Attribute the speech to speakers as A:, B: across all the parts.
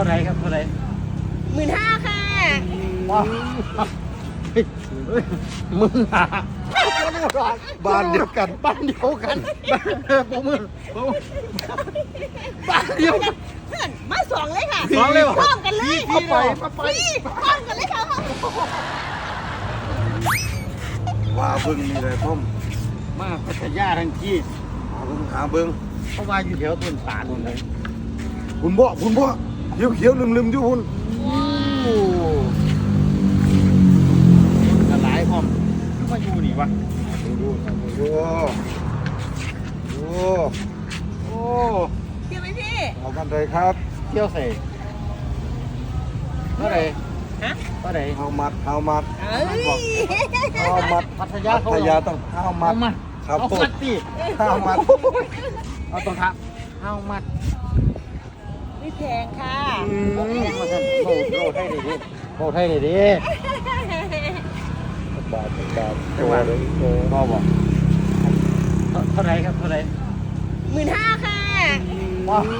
A: าไรครับเท่าไร
B: 15,000ค่ะ
A: ว้าวมึงหาบ้านเดียวกันบ้านเดียวกันบ้านมึงบ้านเดียวกัน
B: เพื่อนมาสองเลยค่ะ
A: สองเลยเหรอ
B: พร้อมกันเลย
A: มาไป
B: พร้อมกันเลยค่ะ
C: ว่าเบิ้งนี่เลยพ่อม
A: มาพัทยาทั้งที่
C: หาเบิ้ง
A: เพราะว่าอยู่แถวต้นตาลเลย
C: คุณบ่เขียวลืมอยู่คุณ
A: โอ้กระไรพร้อมคือมาอยู่นี่วะ
C: ดูโอ้
A: โอ้
B: เที่ยวไหมพี่
C: เอากันเลยครับ
A: เที่ยวเสกเท่าไร
B: ฮะ
A: เท่าไร
C: เอามัด
B: เอ้ย
C: เอามัด
A: พัทยาเขา
C: พยาต้องเอามัด
A: มา
C: ครับ
A: เอา
C: ผม
A: มัดสิ
C: เอามัด
A: เอาตรงครับเอามัด
B: ไม่แพงค่ะ
A: มาท่านโลให้ดีดิโลให้ดีดิ
C: บาท
A: จังหวะพ่อบอกเท่าไรครับเท่าไร
B: 15,000ค่ะ
A: ว้าว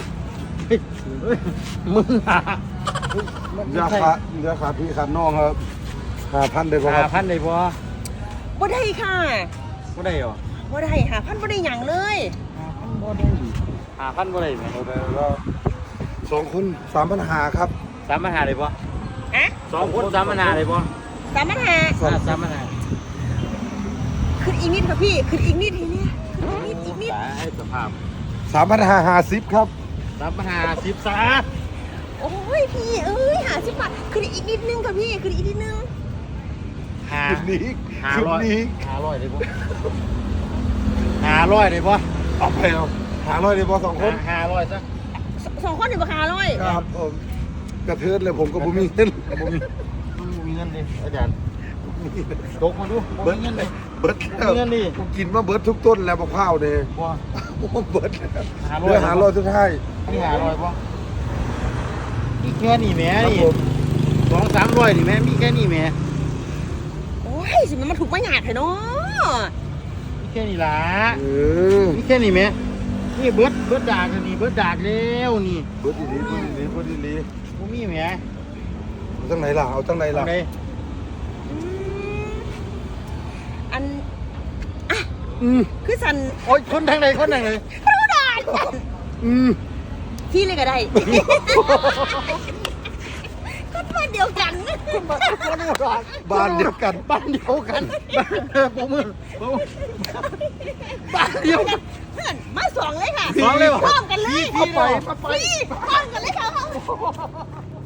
A: มึงหา
C: เรือขาพี่ขาน้องครับ5,000ได้ป่ะครับ
A: 5,000ได้บ่
B: บ่ได้ค่ะ
A: บ่ได้หรอ
B: บ่ได้5,000บ่ได้หยังเลย
A: 5,000บ่ได้5,000บ่ได้ไหม
C: เอาได้แล้ว2คน3,500ครับ
A: 3,500ได้บ่
B: ฮะ
A: 2คน3,500ได้บ่
B: 3,500
A: 3,500
B: ขึ้นอีกนิดค่ะพี่ขึ้นอีกนิดทีนี้อีกนิด
A: ให้สภาพ
C: 3,550ครับ
A: 3,510ซะ
B: โอ้ยพี่เอ้ย50 บาทขึ้นอีกนิดนึงค่ะพี่ขึ้นอีกนิดนึง
C: คืนนี้
A: 500ได้บ่500ได้บ่
C: เอาไปเอา500ได้ป่ะ2คน
A: 500ซะ
B: 2 คนนี่ราคา100
C: ครับผมกระเทือนเลยผมก็บ่มีเงิน
A: บ่มีเงินดิอาจารย์ตกมาดูบ่มีเงินเลย
C: เบิดแล้ว
A: เงินดิ
C: ผมกินมาเบิดทุกต้นแล้วมะพร้าวเนี่ย
A: บ่
C: ผมเบิดแล้ว
A: 500
C: เหลือ500สุดท้าย
A: นี่500บ่มีแค่นี้แหม
C: ครับ
A: นี่
C: ผม
A: 200-300นี่แหมมีแค่นี้แหม
B: โอ้ยสิมันมาถูกมาหยาดเถอะเนาะ
A: มีแค่นี้ล่ะ
C: เออ
A: มีแค่นี้แหมนี่เบิดดากแล้วนี่เบิดดากแล้วนี่
C: เบิดอีหลีเบิดอีหลี
A: บ่มีแหม
C: เอาจังไหนล่ะเอาจังไหนล่ะ
A: เอาได้
B: อัน
A: อืม
B: คือสัน
A: โอ๊ยคนทางใดคนทางใด
B: รู้ได้
A: อืม
B: พี่เลยก็ได้ก็บ้านเดียวกัน
C: บ้านเดียวกัน
A: บ้านเดียวกันบ้านมึงบ้านเดียวกัน
B: เพื่อนมาสองเลยค่ะ
A: สองเลยเหรอ
B: พร้อมกันเลย
A: มาไป
B: พร้อมกันเลยค่ะ